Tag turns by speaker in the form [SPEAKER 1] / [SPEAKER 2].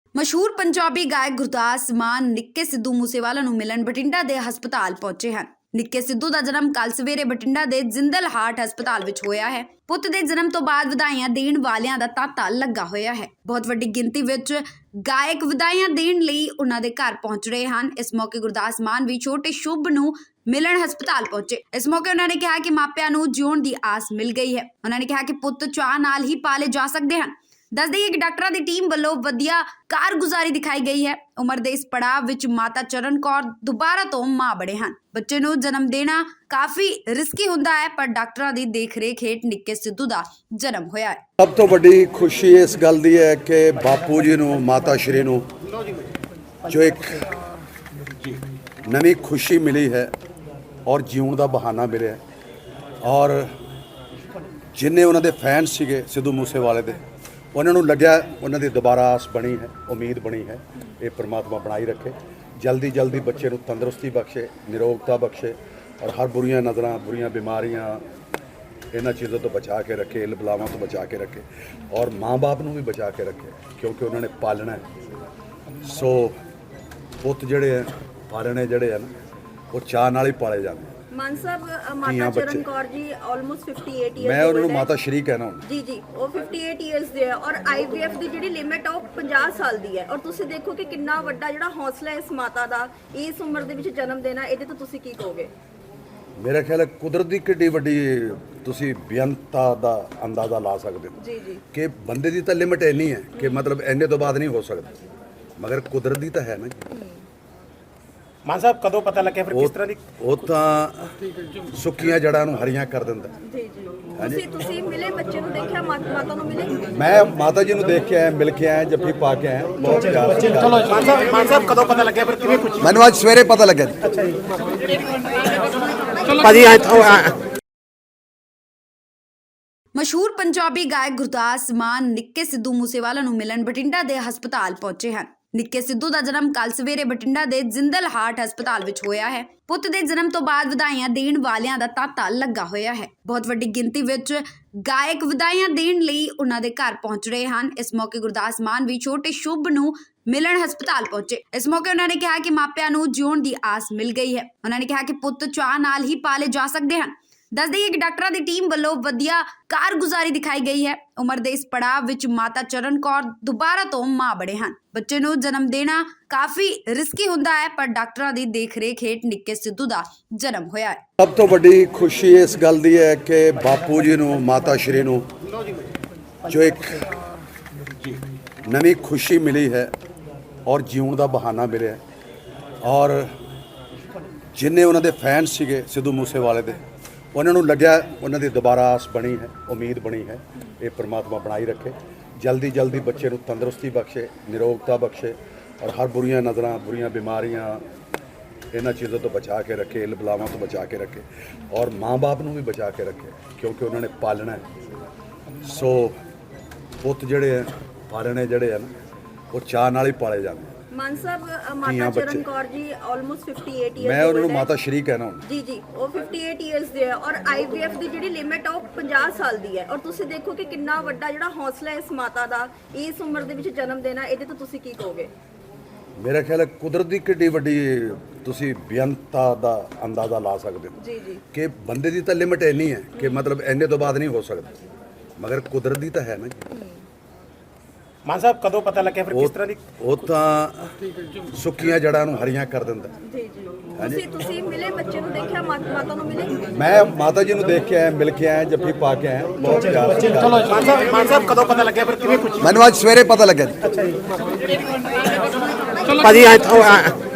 [SPEAKER 1] ਮਸ਼ਹੂਰ ਪੰਜਾਬੀ ਗਾਇਕ ਗੁਰਦਾਸ ਮਾਨ ਨਿੱਕੇ ਸਿੱਧੂ ਮੂਸੇਵਾਲਾ ਨੂੰ ਮਿਲਣ ਬਠਿੰਡਾ ਦੇ ਹਸਪਤਾਲ ਪਹੁੰਚੇ ਹਨ। ਨਿੱਕੇ ਸਿੱਧੂ ਦਾ ਜਨਮ ਕੱਲ ਸਵੇਰੇ ਬਠਿੰਡਾ ਦੇ ਜਿੰਦਲ ਹਾਰਟ ਹਸਪਤਾਲ ਵਿੱਚ ਹੋਇਆ ਹੈ। ਪੁੱਤ ਦੇ ਜਨਮ ਤੋਂ ਬਾਅਦ ਵਧਾਈਆਂ ਦੇਣ ਵਾਲਿਆਂ ਦਾ ਤਾਂਤਾ ਲੱਗਾ ਹੋਇਆ ਹੈ। ਬਹੁਤ ਵੱਡੀ ਗਿਣਤੀ ਵਿੱਚ ਗਾਇਕ ਵਧਾਈਆਂ ਦੇਣ ਲਈ ਉਹਨਾਂ ਦੇ ਘਰ ਪਹੁੰਚ ਰਹੇ ਹਨ। ਇਸ ਮੌਕੇ ਗੁਰਦਾਸ ਮਾਨ ਵੀ ਛੋਟੇ ਸ਼ੁਭ ਨੂੰ ਮਿਲਣ ਹਸਪਤਾਲ ਪਹੁੰਚੇ। ਇਸ ਮੌਕੇ ਉਹਨਾਂ ਨੇ ਕਿਹਾ ਕਿ ਮਾਪਿਆਂ ਨੂੰ ਜਿਉਣ ਦੀ ਆਸ ਮਿਲ ਗਈ ਹੈ। ਉਹਨਾਂ ਨੇ ਕਿਹਾ ਕਿ ਪੁੱਤ ਚਾਅ ਨਾਲ ਹੀ ਪਾਲੇ ਜਾ ਸਕਦੇ ਹਨ। ਦੱਸ ਦਈਏ ਕਿ ਡਾਕਟਰਾਂ ਦੀ ਟੀਮ ਵੱਲੋਂ ਵਧੀਆ ਕਾਰਗੁਜ਼ਾਰੀ ਦਿਖਾਈ ਗਈ ਹੈ। ਉਮਰ ਦੇ ਇਸ ਪੜਾਅ ਵਿੱਚ ਮਾਤਾ ਚਰਨ ਕੌਰ ਦੁਬਾਰਾ ਤੋਂ ਮਾਂ ਬਣੇ ਹਨ। ਬੱਚੇ ਨੂੰ ਜਨਮ ਦੇਣਾ ਕਾਫੀ ਰਿਸਕੀ ਹੁੰਦਾ ਹੈ, ਪਰ ਡਾਕਟਰਾਂ ਦੀ ਦੇਖਰੇਖ ਹੇਠ ਨਿੱਕੇ ਸਿੱਧੂ ਦਾ ਜਨਮ ਹੋਇਆ ਹੈ।
[SPEAKER 2] ਸਭ ਤੋਂ ਵੱਡੀ ਖੁਸ਼ੀ ਇਸ ਗੱਲ ਦੀ ਹੈ ਕਿ ਬਾਪੂ ਜੀ ਨੂੰ, ਮਾਤਾ ਸ਼੍ਰੀ ਨੂੰ ਜੋ ਇੱਕ ਨਵੀਂ ਖੁਸ਼ੀ ਮਿਲੀ ਹੈ ਔਰ ਜਿਉਣ ਦਾ ਬਹਾਨਾ ਮਿਲਿਆ ਔਰ ਜਿੰਨੇ ਉਹਨਾਂ ਦੇ ਫੈਨ ਸੀਗੇ ਸਿੱਧੂ ਮੂਸੇਵਾਲੇ ਦੇ, ਉਹਨਾਂ ਨੂੰ ਲੱਗਿਆ ਉਹਨਾਂ ਦੀ ਦੁਬਾਰਾ ਆਸ ਬਣੀ ਹੈ, ਉਮੀਦ ਬਣੀ ਹੈ। ਇਹ ਪ੍ਰਮਾਤਮਾ ਬਣਾਈ ਰੱਖੇ, ਜਲਦੀ ਜਲਦੀ ਬੱਚੇ ਨੂੰ ਤੰਦਰੁਸਤੀ ਬਖਸ਼ੇ, ਨਿਰੋਗਤਾ ਬਖਸ਼ੇ ਔਰ ਹਰ ਬੁਰੀਆਂ ਨਜ਼ਰਾਂ, ਬੁਰੀਆਂ ਬਿਮਾਰੀਆਂ, ਇਹਨਾਂ ਚੀਜ਼ਾਂ ਤੋਂ ਬਚਾ ਕੇ ਰੱਖੇ, ਇਲ ਬਲਾਵਾਂ ਤੋਂ ਬਚਾ ਕੇ ਰੱਖੇ ਔਰ ਮਾਂ-ਬਾਪ ਨੂੰ ਵੀ ਬਚਾ ਕੇ ਰੱਖੇ, ਕਿਉਂਕਿ ਉਹਨਾਂ ਨੇ ਪਾਲਣਾ ਹੈ। ਸੋ ਪੁੱਤ ਜਿਹੜੇ ਹੈ, ਪਾਲਣੇ ਜਿਹੜੇ ਹਨ, ਉਹ ਚਾਅ ਨਾਲ ਹੀ ਪਾਲੇ ਜਾਂਦੇ।
[SPEAKER 3] ਮਾਨ ਸਾਹਿਬ, ਮਾਤਾ ਚਰਨ ਕੌਰ ਜੀ ਆਲਮੋਸਟ 58 ਇਅਰਸ
[SPEAKER 2] ਮੈਂ ਉਹਨਾਂ ਨੂੰ ਮਾਤਾ ਸ਼੍ਰੀ ਕਹਿਣਾ ਹੁਣ।
[SPEAKER 3] ਜੀ ਉਹ 58 ਇਅਰਸ ਦੇ ਹੈ ਔਰ IVF ਦੀ ਜਿਹੜੀ ਲਿਮਿਟ ਆ ਉਹ 50 ਸਾਲ ਦੀ ਹੈ। ਔਰ ਤੁਸੀਂ ਦੇਖੋ ਕਿ ਕਿੰਨਾ ਵੱਡਾ ਜਿਹੜਾ ਹੌਸਲਾ ਇਸ ਮਾਤਾ ਦਾ ਇਸ ਉਮਰ ਦੇ ਵਿੱਚ ਜਨਮ ਦੇਣਾ, ਇਹਦੇ ਤੋਂ ਤੁਸੀਂ ਕੀ ਕਹੋਗੇ?
[SPEAKER 2] ਮੇਰਾ ਖਿਆਲ ਹੈ ਕੁਦਰਤ ਦੀ ਕਿੱਡੀ ਵੱਡੀ ਤੁਸੀਂ ਬੇਅੰਤਾ ਦਾ ਅੰਦਾਜ਼ਾ ਲਾ ਸਕਦੇ ਹੋ
[SPEAKER 3] ਜੀ
[SPEAKER 2] ਕਿ ਬੰਦੇ ਦੀ ਤਾਂ ਲਿਮਿਟ ਇੰਨੀ ਹੈ ਕਿ ਮਤਲਬ ਇੰਨੇ ਤੋਂ ਬਾਅਦ ਨਹੀਂ ਹੋ ਸਕਦਾ, ਮਗਰ ਕੁਦਰਤ ਦੀ ਤਾਂ ਹੈ ਨਾ।
[SPEAKER 4] ਮਾਨ ਸਾਹਿਬ, ਕਦੋਂ ਪਤਾ ਲੱਗਿਆ ਫਿਰ ਕਿਸ ਤਰ੍ਹਾਂ ਦੀ?
[SPEAKER 2] ਉਹ ਤਾਂ ਸੁੱਕੀਆਂ ਜੜਾਂ ਨੂੰ ਹਰੀਆਂ ਕਰ ਦਿੰਦਾ।
[SPEAKER 3] ਜੀ ਤੁਸੀਂ ਮਿਲੇ ਬੱਚੇ ਨੂੰ, ਦੇਖਿਆ ਮਾਤਾ ਨੂੰ ਮਿਲੇ?
[SPEAKER 2] ਮੈਂ ਮਾਤਾ ਜੀ ਨੂੰ ਦੇਖ ਕੇ ਆਇਆ, ਮਿਲ ਕੇ ਆਇਆ, ਜੱਫੀ ਪਾ ਕੇ ਆਇਆ। ਬਹੁਤ ਪਿਆਰ ਸੀ।
[SPEAKER 4] ਮਾਨ ਸਾਹਿਬ, ਕਦੋਂ ਪਤਾ ਲੱਗਿਆ ਫਿਰ, ਕਿਵੇਂ ਪੁੱਛੀ?
[SPEAKER 2] ਮੈਨੂੰ ਅੱਜ ਸਵੇਰੇ ਪਤਾ ਲੱਗਿਆ ਜੀ।
[SPEAKER 4] ਭਾਜੀ
[SPEAKER 1] ਮਸ਼ਹੂਰ ਪੰਜਾਬੀ ਗਾਇਕ ਗੁਰਦਾਸ ਮਾਨ ਨਿੱਕੇ ਸਿੱਧੂ ਮੂਸੇਵਾਲਾ ਨੂੰ ਮਿਲਣ ਬਠਿੰਡਾ ਦੇ ਹਸਪਤਾਲ ਪਹੁੰਚੇ ਹਨ। ਨਿੱਕੇ ਸਿੱਧੂ ਦਾ ਜਨਮ ਕੱਲ ਸਵੇਰੇ ਬਠਿੰਡਾ ਦੇ ਜਿੰਦਲ ਹਾਰਟ ਹਸਪਤਾਲ ਵਿੱਚ ਹੋਇਆ ਹੈ। ਪੁੱਤ ਦੇ ਜਨਮ ਤੋਂ ਬਾਅਦ ਵਧਾਈਆਂ ਦੇਣ ਵਾਲਿਆਂ ਦਾ ਤਾਂਤਾ ਲੱਗਾ ਹੋਇਆ ਹੈ। ਬਹੁਤ ਵੱਡੀ ਗਿਣਤੀ ਵਿੱਚ ਗਾਇਕ ਵਧਾਈਆਂ ਦੇਣ ਲਈ ਉਹਨਾਂ ਦੇ ਘਰ ਪਹੁੰਚ ਰਹੇ ਹਨ। ਇਸ ਮੌਕੇ ਗੁਰਦਾਸ ਮਾਨ ਵੀ ਛੋਟੇ ਸ਼ੁਭ ਨੂੰ ਮਿਲਣ ਹਸਪਤਾਲ ਪਹੁੰਚੇ। ਇਸ ਮੌਕੇ ਉਹਨਾਂ ਨੇ ਕਿਹਾ ਕਿ ਮਾਪਿਆਂ ਨੂੰ ਜਿਉਣ ਦੀ ਆਸ ਮਿਲ ਗਈ ਹੈ। ਉਹਨਾਂ ਨੇ ਕਿਹਾ ਕਿ ਪੁੱਤ ਚਾਅ ਨਾਲ ਹੀ ਪਾਲੇ ਜਾ ਸਕਦੇ ਹਨ। ਦੱਸ ਦਈਏ ਕਿ ਡਾਕਟਰਾਂ ਦੀ ਟੀਮ ਵੱਲੋਂ ਵਧੀਆ ਕਾਰਗੁਜ਼ਾਰੀ ਦਿਖਾਈ ਗਈ ਹੈ। ਉਮਰ ਦੇ ਇਸ ਪੜਾਅ ਵਿੱਚ ਮਾਤਾ ਚਰਨ ਕੌਰ ਦੁਬਾਰਾ ਤੋਂ ਮਾਂ ਬਣੇ ਹਨ। ਬੱਚੇ ਨੂੰ ਜਨਮ ਦੇਣਾ ਕਾਫੀ ਰਿਸਕੀ ਹੁੰਦਾ ਹੈ, ਪਰ ਡਾਕਟਰਾਂ ਦੀ ਦੇਖਰੇਖ ਹੇਠ ਨਿੱਕੇ ਸਿੱਧੂ ਦਾ ਜਨਮ ਹੋਇਆ ਹੈ।
[SPEAKER 2] ਸਭ ਤੋਂ ਵੱਡੀ ਖੁਸ਼ੀ ਇਸ ਗੱਲ ਦੀ ਹੈ ਕਿ ਬਾਪੂ ਜੀ ਨੂੰ, ਮਾਤਾ ਸ਼੍ਰੀ ਨੂੰ ਜੋ ਇੱਕ ਨਵੀਂ ਖੁਸ਼ੀ ਮਿਲੀ ਹੈ ਔਰ ਜਿਉਣ ਦਾ ਬਹਾਨਾ ਮਿਲਿਆ ਔਰ ਜਿੰਨੇ ਉਹਨਾਂ ਦੇ ਫੈਨ ਸੀਗੇ ਸਿੱਧੂ ਮੂਸੇਵਾਲੇ ਦੇ, ਉਹਨਾਂ ਨੂੰ ਲੱਗਿਆ ਉਹਨਾਂ ਦੀ ਦੁਬਾਰਾ ਆਸ ਬਣੀ ਹੈ, ਉਮੀਦ ਬਣੀ ਹੈ। ਇਹ ਪ੍ਰਮਾਤਮਾ ਬਣਾਈ ਰੱਖੇ, ਜਲਦੀ ਜਲਦੀ ਬੱਚੇ ਨੂੰ ਤੰਦਰੁਸਤੀ ਬਖਸ਼ੇ, ਨਿਰੋਗਤਾ ਬਖਸ਼ੇ ਔਰ ਹਰ ਬੁਰੀਆਂ ਨਜ਼ਰਾਂ, ਬੁਰੀਆਂ ਬਿਮਾਰੀਆਂ, ਇਹਨਾਂ ਚੀਜ਼ਾਂ ਤੋਂ ਬਚਾ ਕੇ ਰੱਖੇ, ਇਲ ਬਲਾਵਾਂ ਤੋਂ ਬਚਾ ਕੇ ਰੱਖੇ ਔਰ ਮਾਂ-ਬਾਪ ਨੂੰ ਵੀ ਬਚਾ ਕੇ ਰੱਖੇ, ਕਿਉਂਕਿ ਉਹਨਾਂ ਨੇ ਪਾਲਣਾ ਹੈ। ਸੋ ਪੁੱਤ ਜਿਹੜੇ ਹੈ, ਪਾਲਣੇ ਜਿਹੜੇ ਹਨ, ਉਹ ਚਾਅ ਨਾਲ ਹੀ ਪਾਲੇ ਜਾਂਦੇ।
[SPEAKER 3] ਮਾਨ ਸਾਹਿਬ, ਮਾਤਾ ਚਰਨ ਕੌਰ ਜੀ ਆਲਮੋਸਟ 58 ਇਅਰਸ
[SPEAKER 2] ਮੈਂ ਉਹਨਾਂ ਨੂੰ ਮਾਤਾ ਸ਼੍ਰੀ ਕਹਿਣਾ ਹੁਣ।
[SPEAKER 3] ਜੀ ਉਹ 58 ਇਅਰਸ ਦੇ ਹੈ ਔਰ IVF ਦੀ ਜਿਹੜੀ ਲਿਮਿਟ ਆ ਉਹ 50 ਸਾਲ ਦੀ ਹੈ। ਔਰ ਤੁਸੀਂ ਦੇਖੋ ਕਿ ਕਿੰਨਾ ਵੱਡਾ ਜਿਹੜਾ ਹੌਸਲਾ ਇਸ ਮਾਤਾ ਦਾ ਇਸ ਉਮਰ ਦੇ ਵਿੱਚ ਜਨਮ ਦੇਣਾ, ਇਹਦੇ ਤੋਂ ਤੁਸੀਂ ਕੀ ਕਹੋਗੇ?
[SPEAKER 2] ਮੇਰਾ ਖਿਆਲ ਹੈ ਕੁਦਰਤ ਦੀ ਕਿੱਡੀ ਵੱਡੀ ਤੁਸੀਂ ਬੇਅੰਤਾ ਦਾ ਅੰਦਾਜ਼ਾ ਲਾ ਸਕਦੇ ਹੋ
[SPEAKER 3] ਜੀ
[SPEAKER 2] ਕਿ ਬੰਦੇ ਦੀ ਤਾਂ ਲਿਮਿਟ ਇੰਨੀ ਹੈ ਕਿ ਮਤਲਬ ਇੰਨੇ ਤੋਂ ਬਾਅਦ ਨਹੀਂ ਹੋ ਸਕਦਾ, ਮਗਰ ਕੁਦਰਤ ਦੀ ਤਾਂ ਹੈ ਨਾ।
[SPEAKER 4] ਮਾਨ ਸਾਹਿਬ, ਕਦੋਂ ਪਤਾ ਲੱਗਿਆ ਫਿਰ ਕਿਸ ਤਰ੍ਹਾਂ ਦੀ?
[SPEAKER 2] ਉਹ ਤਾਂ ਸੁੱਕੀਆਂ ਜੜਾਂ ਨੂੰ ਹਰੀਆਂ ਕਰ ਦਿੰਦਾ।
[SPEAKER 3] ਜੀ ਤੁਸੀਂ ਮਿਲੇ ਬੱਚੇ ਨੂੰ, ਦੇਖਿਆ ਮਾਤਾ ਨੂੰ ਮਿਲੇ? ਮੈਂ
[SPEAKER 2] ਮਾਤਾ ਜੀ ਨੂੰ ਦੇਖ ਕੇ ਆਇਆ, ਮਿਲ ਕੇ ਆਇਆ, ਜੱਫੀ ਪਾ ਕੇ ਆਇਆ। ਬਹੁਤ ਪਿਆਰ ਸੀ।
[SPEAKER 4] ਮਾਨ ਸਾਹਿਬ, ਕਦੋਂ ਪਤਾ ਲੱਗਿਆ ਫਿਰ, ਕਿਵੇਂ ਪੁੱਛੀ?
[SPEAKER 2] ਮੈਨੂੰ ਅੱਜ ਸਵੇਰੇ ਪਤਾ ਲੱਗਿਆ ਜੀ।
[SPEAKER 4] ਭਾਜੀ